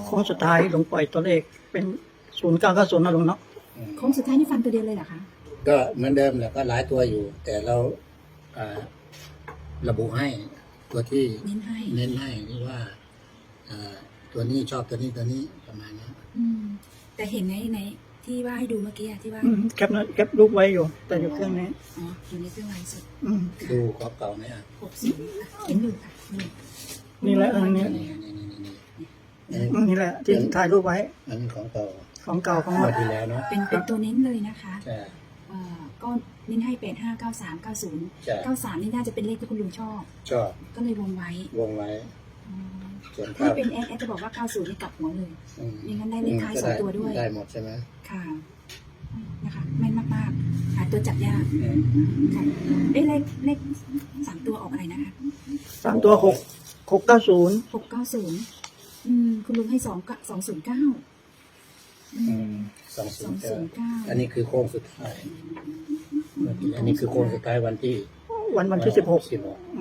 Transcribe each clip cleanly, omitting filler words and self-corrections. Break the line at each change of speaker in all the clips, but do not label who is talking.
โค้งสุดท้ายลุงปล่อยตัวเลขเป็น0990นะลุงเนาะ
โค้งสุดท้ายนี่ฟันตัวเดียวเลยเหรอคะ
ก็เหมือนเดิมแหละก็หลายตัวอยู่ แต่เราอ่าระบุให้ตัวที่
เน้นให้
เน้นให้นี่ว่าตัวนี้ชอบตัวนี้ประมาณนี้
แต่เห็นในที่ว่าให้ดูเมื่อกี้อะที่ว่า
แคปรูปไว้อยู่ แต่อยู่เครื่องนี้
อ๋ออยู่ในเครื่องไลฟ์สด
ดูของเก่าไหมอ่ะ
60เห็นอยู่ค่ะนี่
นี่แหละอันนี้ นี่แหละที่ถ่ายรูปไว้
อันนี้ของเก่า
ของเก่าของ
ง
ให
ว
ม่
ดที่แล้วเนาะ
เป็นตัวเน้นเลยนะคะ
ใช่
ก็เน้นให้85 93
ใช่
90 93นี่น่าจะเป็นเลขที่คุณลุงชอบ
ชอบ
ก็เลยวงไว้
วงไว้ส่วน
ถ้า
ภาพ
เป็นแอดจะบอกว่า 90นี่กลับหัวเลย ไม่งั้นได้เลขท้าย
ก็
สองตัวด้วย
ได้หมดใช่ไหม
ค่ะนะคะแม่นมากๆหาตัวจับยากค่ะเลข3ตัวออกอะไรนะคะ
3 ตัว690
690คุณลุงให้209
209อันนี้คือโค้งสุดท้ายอันนี้คือโค้งสุดท้ายวันที่
วันที่16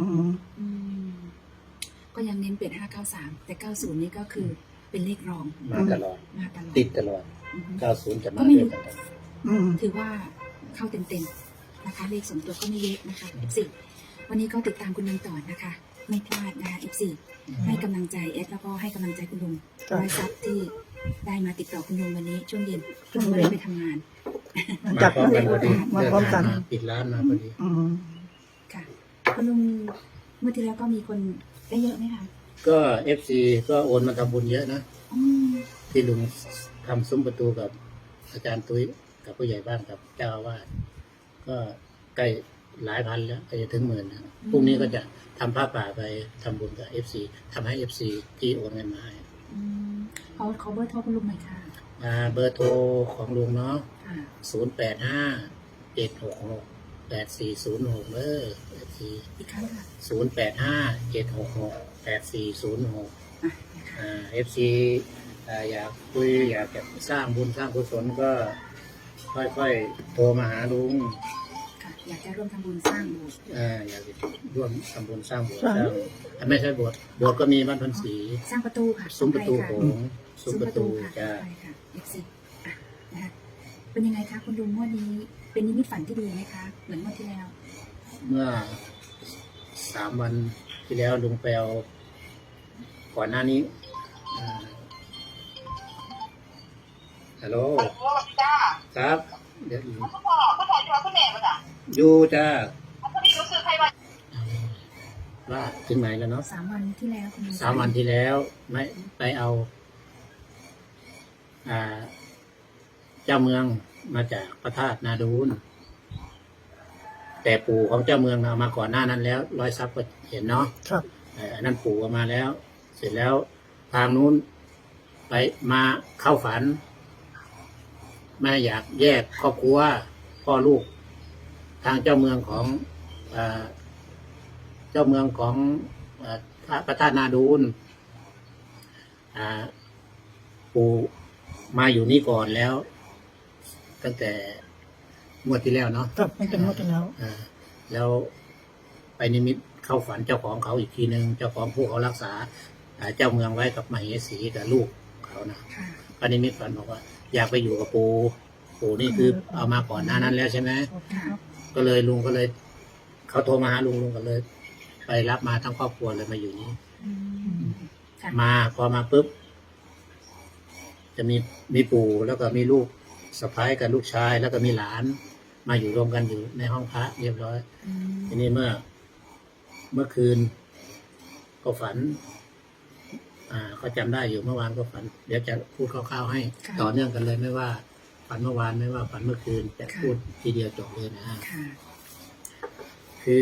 ก็ยังเน้นเป็น593แต่90นี่ก็คือเป็นเลขรอง
มาตลอด
มาตลอด
ติดตลอด 90 จะมา
ก็ไม่
ด้วย
รู้
กัน
ถือว่าเข้าเต็มๆนะคะเลข2ตัวก็ไม่เยอะนะคะ F4 วันนี้ก็ติดตามคุณลุงต่อนะคะ ไม่พลาดนะคะ F4 ให้กำลังใจเอสแล้วก็ให้กำลังใจคุณลุงร้อยซับที่ได้มาติดต่อคุณลุงวันนี้ช่วงเย็นคุณลุงไม่ได้ไปทำงาน
มา
จับ
พร้อมกันพอดี
มาพร้อมกัน
เดิทางปิดร้านมาพอดี
ค่ะคุณลุงเมื่อที่แล้วก็มีคนได้เยอะไหมคะ
ก็ FC ก็โอนมาทำบุญเยอะนะ
อืม
ที่ลุงทำซุ้มประตูกับอาจารย์ตุ้ยกับผู้ใหญ่บ้านกับเจ้าอาวาสก็ใกล้หลายพันแล้วก็จะถึง10,000นะพรุ่งนี้ก็จะทำผ้าป่าไปทำบุญกับ FC ทำให้ FC ที่โอนเงินมาให้
ขอเบอร์โทรคุณลุงหน่อยค่ะ
เบอร์โทรของลุงเนาะ
ค่ะ
085-766-8406เบอร์ FC
อีกครั้งค่ะ
085-766-8406
นะคะ
FC อยากคุยอยากจะสร้างบุญสร้างกุศลก็ค่อยๆโทรมาหาลุง
ค่ะ อยากจะร่วมทำบุญสร้างโบสถ์
อยากจะร่วมทำบุญสร้างโบสถ์
สร้าง
ไม่ใช่โบสถ์ก็มีบ้านพันศรี
สร้างประตูค่ะ
ซุ้มประตู
ข
โข
อง
งซุ้มประตู
ค่ะ
จะ
ใช่ค่ะ F4 นะคะเป็นยังไงคะคุณลุงงวดนี้เป็นนิมิตฝันที่ดีไหมคะ เหมือนงวดที่แล้ว
เมื่อ3 วันที่แล้วลุงแปลก่อนหน้านี้ฮัลโหล
จ้า
ครับ เดี๋ยว
เขาบอกเขาถ่ายตัวเขาแม่มาจ้ะ
อยู่จ้า
เขาพี่รู้สึกใครว่า
ว่าถึงไหนแล้วเนาะ
3 วันที่แล้วคุณลุง
3 วันที่แล้วไม่ไปเอาเจ้าเมืองมาจากพระธาตุนาดูนแต่ปู่ของเจ้าเมืองเอามาก่อนหน้านั้นแล้วร้อยทรัพย์ก็เห็นเนาะ
ครับ
อันนั้นปู่เอามาแล้ว เสร็จแล้วทางนู้นไปมาเข้าฝันแม่อยากแยกครอบครัวพ่อลูก ทางเจ้าเมืองของเจ้าเมืองของพระธาตุนาดูนปู่มาอยู่นี่ก่อนแล้ว ตั้งแต่งวดที่แล้วเนาะ
ครับมันเป็นงวดที่แล้ว
แล้วไปนิมิตเข้าฝันเจ้าของเขาอีกทีหนึ่งเจ้าของผู้เขารักษาเจ้าเมืองไว้กับมเหสีกับลูกเขานะ
ค่ะ
ปนิมิตฝันบอกว่า อยากไปอยู่กับปู่นี่คือเอามาก่อนหน้านั้นแล้วใช่ไหม
ค่ะ
ก็เลยลุงก็เลย เขาโทรมาหาลุงก็เลย ไปรับมาทั้งครอบครัวเลยมาอยู่นี่
ค่ะ
มาพอมาปุ๊บจะมีปู่แล้วก็มีลูกสะใภ้กับลูกชาย แล้วก็มีหลาน มาอยู่รวมกันอยู่ในห้องพระเรียบร้อย ทีนี้เมื่อคืนก็ฝันเขาจำได้อยู่เมื่อวานก็ฝัน เดี๋ยวจะพูดคร่าวๆให้ ต่อเนื่องกันเลยไม่ว่าฝันเมื่อวานไม่ว่าฝันเมื่อคืนจะพูดทีเดียวจบเลยนะ
ค่ะ
คือ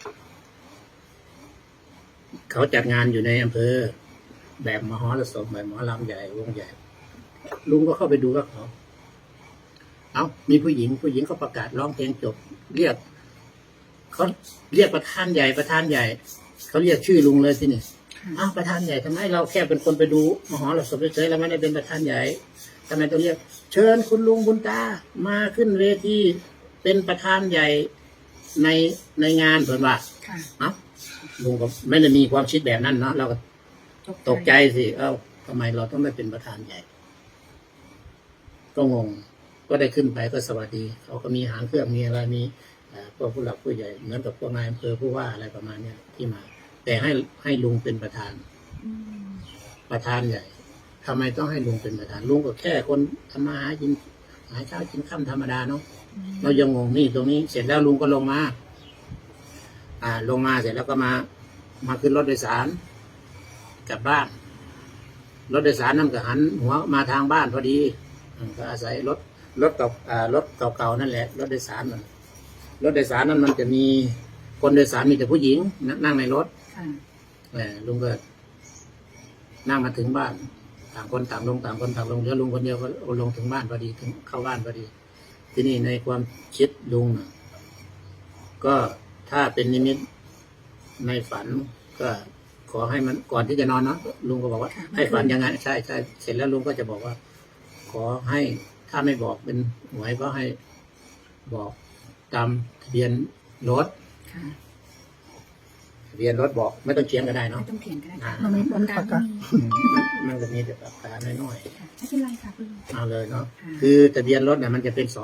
เขาจัดงานอยู่ในอำเภอ แบบมหรสพแบบหมอลำใหญ่วงใหญ่ ลุงก็เข้าไปดูกับเขามีผู้หญิงเขาประกาศร้องเพลงจบ เรียกเขาเรียกประธานใหญ่เขาเรียกชื่อลุงเลยที่นี่ประธานใหญ่ทำไมเราแค่เป็นคนไปดูมหรสพเฉยๆเราไม่ได้เป็นประธานใหญ่ทำไมต้องเรียก เชิญคุณลุงบุญตามาขึ้นเวทีเป็นประธานใหญ่ในงานเผื่อว่า
ค่ะ
ลุงก็ไม่ได้มีความคิดแบบนั้นเนาะเราก็ตกใจสิทำไมเราต้องได้เป็นประธานใหญ่ ก็งง ก็ได้ขึ้นไปก็สวัสดี เขาก็มีหางเครื่องมีอะไรมีพวกผู้หลักผู้ใหญ่เหมือนกับพวกนายอำเภอผู้ว่าอะไรประมาณเนี้ยที่มา แต่ให้ลุงเป็นประธาน
อืม
ประธานใหญ่ทำไมต้องให้ลุงเป็นประธานลุงก็แค่คนทำมาหากินหาเช้ากินค่ำธรรมดาเนาะเรายังงงนี่ตรงนี้ เสร็จแล้วลุงก็ลงมาลงมาเสร็จแล้วก็มาขึ้นรถโดยสารกลับบ้านรถโดยสารนั่นก็หันหัวมาทางบ้านพอดีก็อาศัยรถเก่าๆนั่นแหละรถโดยสารนั่นรถโดยสารนั้นมันจะมีคนโดยสารมีแต่ผู้หญิงนั่งในรถ
ค่ะ
ลุงก็นั่งมาถึงบ้านต่างคนต่างลงต่างคนต่างลงเดี๋ยวลุงคนเดียวก็ลงถึงบ้านพอดีถึงเข้าบ้านพอดี ที่นี่ในความคิดลุงก็ถ้าเป็นนิมิตในฝันก็ขอให้มันก่อนที่จะนอนนะลุงก็บอกว่าให้ฝันยังไงใช่เสร็จแล้วลุงก็จะบอกว่า ขอให้ถ้าไม่บอกเป็นหวยก็ให้บอกตามทะเบียนรถ
ค่ะ
ทะเบียนรถบอกไม่ต้องเขียนก็ได้
ไม่
เนาะ
ต้องเขียนก็ได้ค่ะ
มันมีมันปากกา
มันจะมีแต่ปากกาน้อย
ค่ะไม่เป็นไรค่ะคุณลุง
ๆเอาเลยเนาะ
ค่ะ
คือทะเบียนรถเนี่ยมันจะเป็น292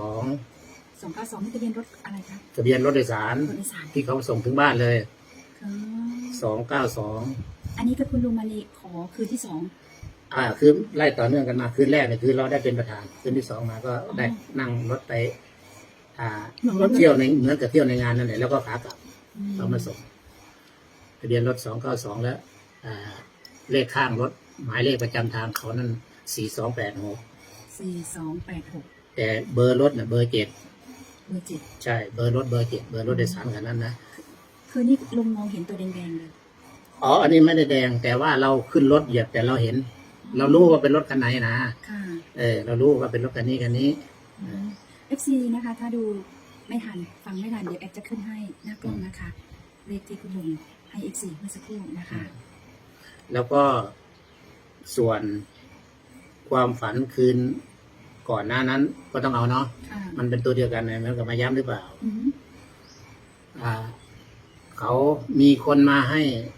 292นี่ทะเบียนรถอะไรคะ
ทะเบียนรถโดยสาร
รถโดยสาร
ที่เขาส่งถึงบ้านเลย
อ๋อ
292
อันนี้ก็คุณลุงมาลีขอคืนที่สอง
คือไล่ต่อเนื่องกันมาคืนแรกเนี่ยคือเราได้เป็นประธานคืนที่2มาก็ได้นั่งรถไปเที่ยวในเหมือนกับเที่ยวในงานนั่นแหละแล้วก็ขากลับเขามาส่งทะเบียนรถ292แล้วเลขข้างรถหมายเลขประจำทางเขานั่น4286
4286
แต่เบอร์รถเนี่ยเบอร์7
เบอร์7
ใช่เบอร์รถเบอร์7เบอร์รถโดยสารคันนั้นนะ
คือนี่ลุงมองเห็นตัวแดงๆเลย
อ๋ออันนี้ไม่ได้แดงแต่ว่าเราขึ้นรถเหยียบแต่เราเห็น เรารู้ว่าเป็นรถคันไหนนะ
ค่ะ
เรารู้ว่าเป็นรถคันนี้
FC นะคะ ถ้าดูไม่ทันฟังไม่ทันเดี๋ยวแอดจะขึ้นให้หน้ากล้องนะคะเลขที่คุณลุงให้ FC เมื่อสักครู่นะคะ
แล้วก็ส่วนความฝันคืนก่อนหน้านั้นก็ต้องเอาเนาะ
ค่ะ
มันเป็นตัวเดียวกันนะมันกับมาย้ำหรือเปล่า
อืม
เขามีคนมาให้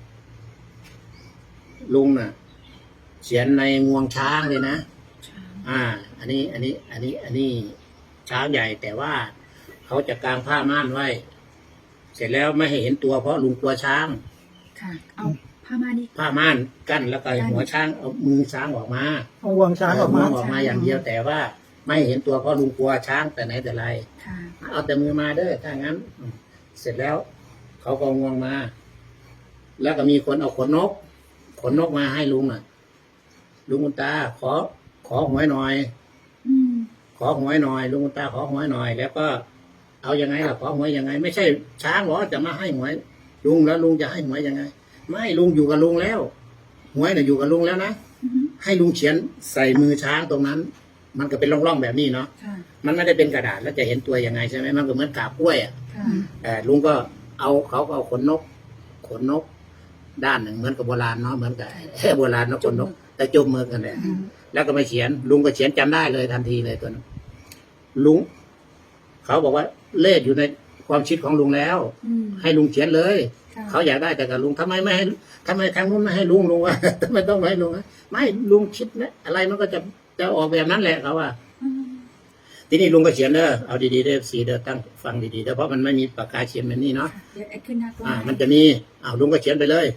ลุงน่ะเขียนในงวงช้างเลยนะ อันนี้ช้างใหญ่แต่ว่าเขาจะกางผ้าม่านไว้ เสร็จแล้วไม่ให้เห็นตัวเพราะลุงกลัวช้าง
ค่ะ เอาผ้าม่านนี่
ผ้าม่านกั้นแล้วก็หัวช้างเอามือช้างออกมา
เอาวงช้างออกมา
ออกมาอย่างเดียวแต่ว่าไม่ให้เห็นตัวเพราะลุงกลัวช้างแต่ไหนแต่ไร
ค่ะ
เอาแต่มือมาเด้อถ้างั้นเสร็จแล้ว เขาก็งวงมา แล้วก็มีคนเอาขนนกมาให้ลุงลุงคุณตาขอหวยหน่อย
อืม
ขอหวยหน่อยลุงคุณตาขอหวยหน่อย แล้วก็เอายังไงล่ะขอหวยยังไง ไม่ใช่ช้างหรอจะมาให้หวยลุงแล้วลุงจะให้หวยยังไง ไม่ลุงอยู่กับลุงแล้วหวยน่ะอยู่กับลุงแล้วนะ
อืม
ให้ลุงเขียนใส่มือช้างตรงนั้น มันก็เป็นร่องๆแบบนี้เนาะ
ค่ะ
มันไม่ได้เป็นกระดาษแล้วจะเห็นตัวยังไงใช่ไหมมันก็เหมือนกาบกล้วยอ่ะ
ค่ะ
แต่ลุงก็เขาก็เอาขนนกด้านหนึ่งเหมือนกับโบราณเนาะเหมือนกับโบราณเนาะขนนกแต่จมมือกันแหละแล้วก็มาเขียนลุงก็เขียนจำได้เลยทันทีเลยตัวนั้นลุงเขาบอกว่าเลขอยู่ในความคิดของลุงแล้ว
อืม
ให้ลุงเขียนเลย
ค่ะ
เขาอยากได้แต่กับลุงทำไมไม่ให้ทำไมทางนู้นไม่ให้ลุงว่า ทำไมต้องให้ลุงไม่ลุงคิดนะอะไรมันก็จะออกแบบนั้นแหละเขาว่า
อืม
ทีนี้ลุงก็เขียนเด้อเอาดีๆเด้อสีเด้อตั้งฟังดีๆเด้อเพราะมันไม่มีปากกาเขียนแบบนี้เนาะ
ค่ะเดี๋ยวแอดขึ้นหน้ากล้อง
มันจะมีลุงก็เขียนไปเลย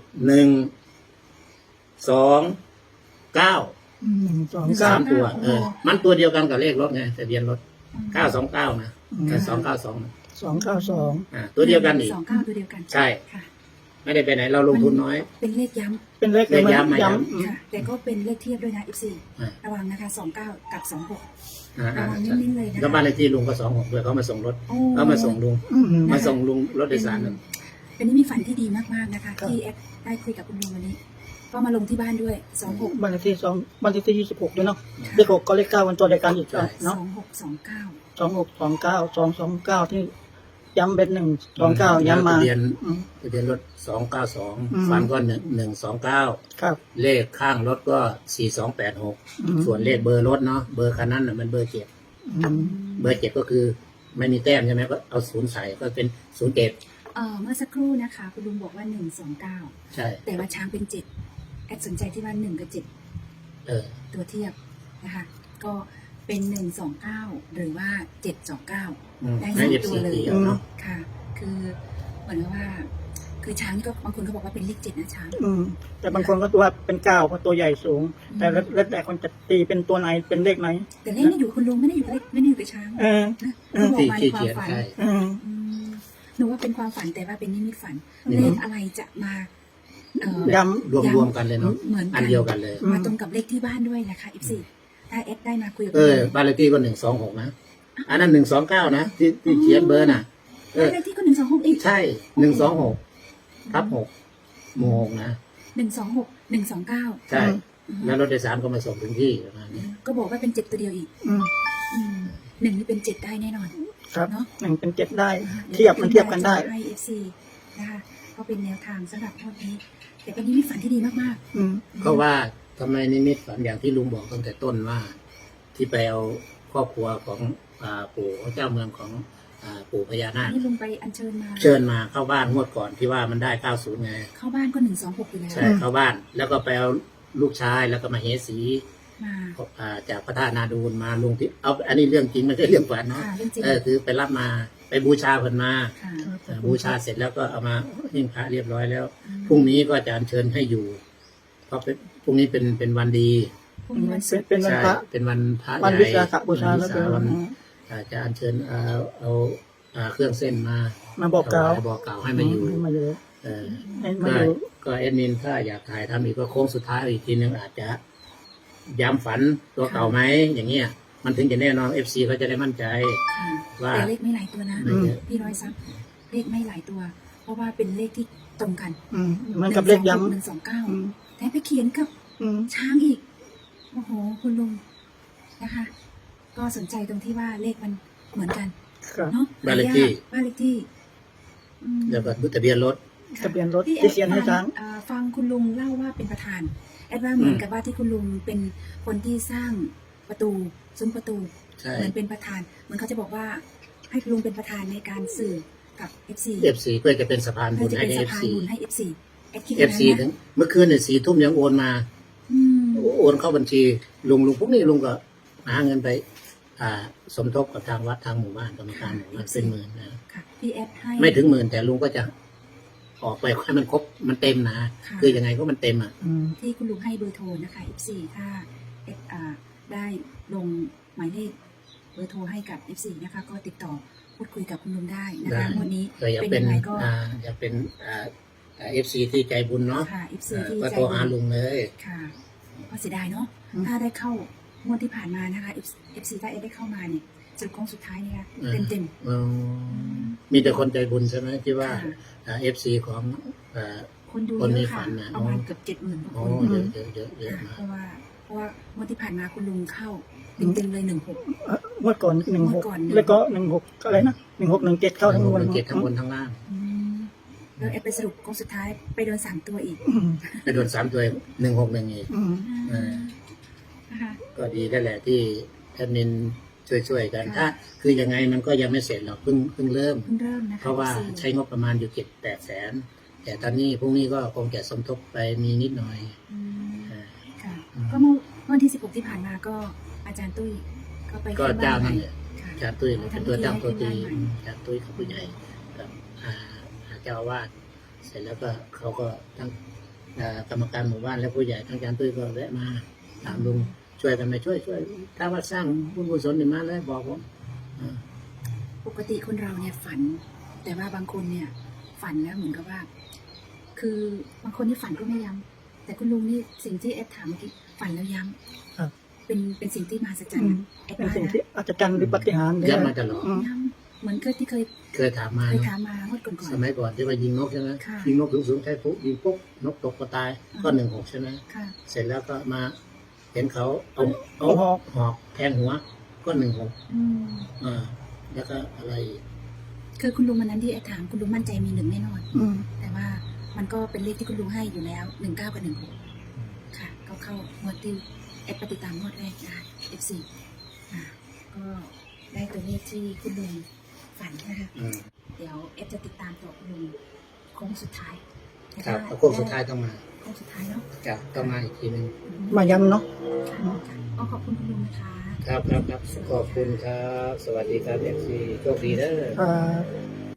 129
129
3 ตัวมันตัวเดียวกันกับเลขรถไงทะเบียนรถ929นะแต่292นะ
292
ตัวเดียวกันอีก
29ตัวเดียวกัน
ใช่
ค่ะ
ไม่ได้ไปไหนเราลงทุนน้อย
เป็นเลขย้
เป็นเลข
เลขย้ำ
ย้
ำค่ะ แต่ก็เป็นเลขเทียบด้วยนะ F4
อ่า
ระวังนะคะ29กับ26ระวัง
ใช่
นิ่งๆเลยนะคะ
แล้วบ้านเลขที่ลุงก็26ด้วยเขามาส่งรถ
โอ้
เขามาส่งลุง
ำ
มาส่งลุงรถโดยสารนั่น
เป็นนิมิตฝันที่ดีมากๆนะคะ ที่แอดได้คุยกับคุณลุงวันนี้ ก็มาลงที่บ้านด้วย26
บ้านเลขที่2บ้านเลขที่26ด้วยเนาะเลข6ก็เลข9วันตัวเดียวกันอีกเนาะ
2629
2629 229ที่ย้ำเป็น129ย้ำมา
ทะเบียน
อืม
ทะเบียนรถ
อืม
292ฟันก็129
ครับ
เลขข้างรถก็4286ส่วนเลขเบอร์รถเนาะเบอร์คันนั้นน่ะมันเบอร์7
อืม
เบอร์7ก็คือไม่มีแต้มใช่ไหมก็เอา0ใส่ก็เป็น07
เมื่อสักครู่นะคะ คุณลุงบอกว่า129
ใช่
แต่ว่าช้างเป็น7แอดสนใจที่ว่า1กับ7 ตัวเทียบนะคะก็เป็น129หรือว่า729ได้
ให้
สาม
เอฟ
ตัว
ซี
เลย
ตีเอาเนาะ
ค่ะ คือเหมือนกับว่า คือช้างนี่ก็บางคนก็บอกว่าเป็นเลข7นะช้าง
แต่บางคนก็ตัวเป็นเก้าเพราะตัวใหญ่สูง แต่แล้วแต่คนจะตีเป็นตัวไหนเป็นเลขไหน
แต่เลขนี่อยู่คุณลุงไม่ได้อยู่กับเลขไม่ได้อยู่กับช้าง
เออ
นะคือบอก
ที่
มาใน
ที่
ความ
เขียน
ฝัน
ใช่
อืม
อืมหนูว่าเป็นความฝันแต่ว่าเป็นนิมิตฝัน
นิ
เล
มิต
ขอะไรจะมาเ
ย้
รวมกันเลยเนาะ
เหมือน
อันเดียวกันเลย
มาตรงกับเลขที่บ้านด้วยนะคะ14ถ้าเอสได้มาคุยกับ
บ้านเลขที่ก็126นะอันนั้น129นะที่เขียนเบอร์น่ะ
บ้านเลขที่ก็126อีก
ใช่126/6หมู่6นะ
126 129
ใช่ แล้วรถโดยสารก็มาส่งถึงที่ประมาณนี้
ก็บอกว่าเป็น7ตัวเดียวอีก
อืม
หนึ่งนี่เป็น7ได้แน่นอน
ครับ
เนาะ
หนึ่งเป็นเจ็ดได้ เทียบมันเทียบกันได้
ให้ FC นะคะก็เป็นแนวทางสำหรับทอดนี้ แต่เป็นนิมิตฝันที่ดีมาก
อืม
ๆ
เพราะว่าทำไมนิมิตฝันอย่างที่ลุงบอกตั้งแต่ต้นว่า ที่ไปเอาครอบครัวของปู่เจ้าเมืองของปู่พญานาค
นี่ลุงไปอัญเชิญมา
เชิญมาเข้าบ้านงวดก่อนที่ว่ามันได้90ไง
เข้าบ้านก็126อยู่แล้ว
ใช่เข้าบ้าน แล้วก็ไปเอาลูกชายแล้วก็มาเฮสี
มา
จากพระธาตุนาดูลมาลงที่เอาอันนี้เรื่องจริงไม่ใช่เรื่องฝันเนาะ
ค่ะเรื่องจริง
คือไปรับมาไปบูชาเพิ่นมา
ค่ะ
บูชาเสร็จแล้วก็เอามาหิ้งพระเรียบร้อยแล้วพรุ่งนี้ก็จะอัญเชิญให้อยู่ เพราะพรุ่งนี้เป็นวันดี
พรุ่งนี้วันศุกร์
เป็นวัน
ใช่
พระ
เป็นวันพระ
วัน
ใหญ่
วิสาขบูชาแล้วเป็น
วั
วัน น
จะอัญเชิญเอาเครื่องเส้นมา
มาบอกกล่าว
บอกกล่าวให้มาอยู่
ให้มาอยู่
เออ
ให้มา
ก็
อยู่
ก็เอ็ดมินถ้าอยากถ่ายทำอีกก็โค้งสุดท้ายอีกทีนึงอาจจะย้ำฝันตัวเก่าไหมอย่างเงี้ยมันถึงจะแน่นอน FC เขาจะได้มั่นใจ
ค่ะ
ว่า
แต่เลขไม่หลายตัวนะ
ไม่เยอะ
พี่ร้อยซับเลขไม่หลายตัว เพราะว่าเป็นเลขที่ตรงกัน
เหมือนกับเลขย้ำ
129แต่ไปเขียนกับ ช้างอีก โอ้โห คุณลุงนะคะ ก็สนใจตรงที่ว่าเลขมันเหมือนกัน
ครับ
เนาะ
บ้านเลขที่
บ้านเลขที่อืม
แล้วก็ทะเบียนรถ
ทะเบียนรถ
ที่
ที่เขียนให้ช้าง
ฟังคุณลุงเล่าว่าเป็นประธานแอดว่าเหมือนกับว่าที่คุณลุงเป็นคนที่สร้างประตูซุ้มประตู
ใช่
เหมือนเป็นประธาน เหมือนเขาจะบอกว่าให้คุณลุงเป็นประธานในการสื่อกับ FC
FC เพื่อจะเป็นสะพานบุ
เพื่อ
ญ
จะ
ให้
เป็น
ใน
สะพาน
FC
บุญให้ FC แอดคิดอย่างนั้น
FC ถึ
นะ
งเมื่อคืนเนี่ย4 ทุ่มยังโอนมา
อืม
โอนเข้าบัญชีลุงพวกนี้ลุงก็หาเงินไปสมทบกับทางวัดทางหมู่บ้านกรรมการหมู่บ้านเป็นหมื่นนะ
ค่ะพี่แอดให้
ไม่ถึงหมื่นแต่ลุงก็จะออกไปให้มันครบมันเต็มนะ
ค่ะ
คือยังไงก็มันเต็มอ่ะ
ที่คุณลุงให้เบอร์โทรนะคะ F4 ถ้า ได้ลงหมายเลขเบอร์โทรให้กับ F4 นะคะ ก็ติดต่อพูดคุยกับคุณลุงได้นะคะวันนี้
ก็อยาก
เป็น
เป็น
ยังไงก็
อยากเป็นFC ที่ใจบุญเนาะ
ค่ะ F4 ที่
ก็
ใจ
โทรหาลุงเลย
ค่ะก็เสียดายเนาะถ้าได้เข้างวดที่ผ่านมานะคะ F4 ถ้าได้เข้ามาเนี่ยจุดโค้งสุดท้ายเนี่ยเต็ม
มีแต่คนใจบุญใช่ไหมที่ว่า
ค่ะ
FC ของ
คนดู
คน
เย
มี
อะค่ะ
ฝันน่ะ
ประมาณเกือบ70,000กว่า
โอ้
คน
เยอะมา
เพ
ก
ราะว่างวดที่ผ่านมาคุณลุงเข้าเต็มๆเลย16
งวดก่อน16
งวดก่อน
แล้วก็16อะไรนะ1617เข้าทั้งหมด
เจ็ดทั้งบนทั้งล่าง
แล้วแอดไปสรุปโค้งสุดท้ายไปโดน3ตัวอีก
ไปโดน3 ตัว161อีก
นะคะ
ก็ดีได้แหละที่แอดมินช่วยๆกัน
ค่ะ
ถ้าคือยังไงมันก็ยังไม่เสร็จหรอกเพิ่งเริ่ม
เพิ่งเริ่มนะคะ
เพราะว่า
FC
ใช้งบประมาณอยู่7-8 แสน แต่ตอนนี้พรุ่งนี้ก็คงจะสมทบไปมีนิดหน่อย
อืม
อ่า
ค่ะก็เมื่อวันที่16ที่ผ่านมาก็อาจารย์ตุ้ยก็ไป
ก็
ขึ้นบ้
เจ้าน
ใหม่
นั่นแหละ
ค่ะ
อาจารย์ตุ้ยเป็นตัวตั้งตัวตี
ทำพิธีให้ขึ้นบ้านใหม่
อาจารย์ตุ้ยเขาผู้ใหญ่กับเจ้าอาวาสเสร็จแล้วก็เขาก็ทั้งกรรมการหมู่บ้านและผู้ใหญ่ทั้งอาจารย์ตุ้ยก็แวะมาถามลุงช่วยกันไหมช่วยถ้าว่าสร้างบุญกุศลนี่มาเลยบอกผม
ปกติคนเราเนี่ยฝัน แต่ว่าบางคนเนี่ยฝันแล้วเหมือนกับว่า คือบางคนที่ฝันก็ไม่ย้ำแต่คุณลุงนี่สิ่งที่แอดถามเมื่อกี้ฝันแล้วย้
ครับ
ำเป็นสิ่งที่มหัศจรรย์นะแอด
เป็น
ว่า
สิ่ง
นะ
ที่อาจจะกันหรือปาฏิหาริย์
ย้ำมาตลอด
ย้ำเหมือนที่เคย
เคยถามมา
เคย
เนอะ
ถามมาเมื่อก่อน
สมัยก่อนที่ว่ายิงนกใช่ไหม
ค่ะ
ยิงนกสูงๆใช้ปุ๊บยิงปุ๊บนกตกก็ตายก็16ใช่ไหม
ๆค่ะ
เสร็จแล้วก็มาเห็นเขาเอาหอกแทงหัวก็16
อืม
แล้วก็อะไรอีก
คือคุณลุงวันนั้นที่แอดถามคุณลุงมั่นใจมี1แน่นอน
อืม
แต่ว่ามันก็เป็นเลขที่คุณลุงให้อยู่แล้ว19กับ16ค่ะ ก็เข้างวดที่แอดปฏิตามงวดแรกนะคะ F4 ก็ได้ตัวเลขที่คุณลุงฝันนะคะ เดี๋ยวแอดจะติดตามต่อคุณลุงโค้งสุดท้าย
ครับโค้งสุดท้ายต้องมา
คโค้งสุดท้ายเนาะ
จะต้องมาอีกทีหนึ่ง
มาย้ำเนาะ
ค่ะก็ขอบคุณคุณลุงนะคะ
ครับขอบคุณครับ สวัสดีครับเอฟซีโชคดีเด้อ
ครับ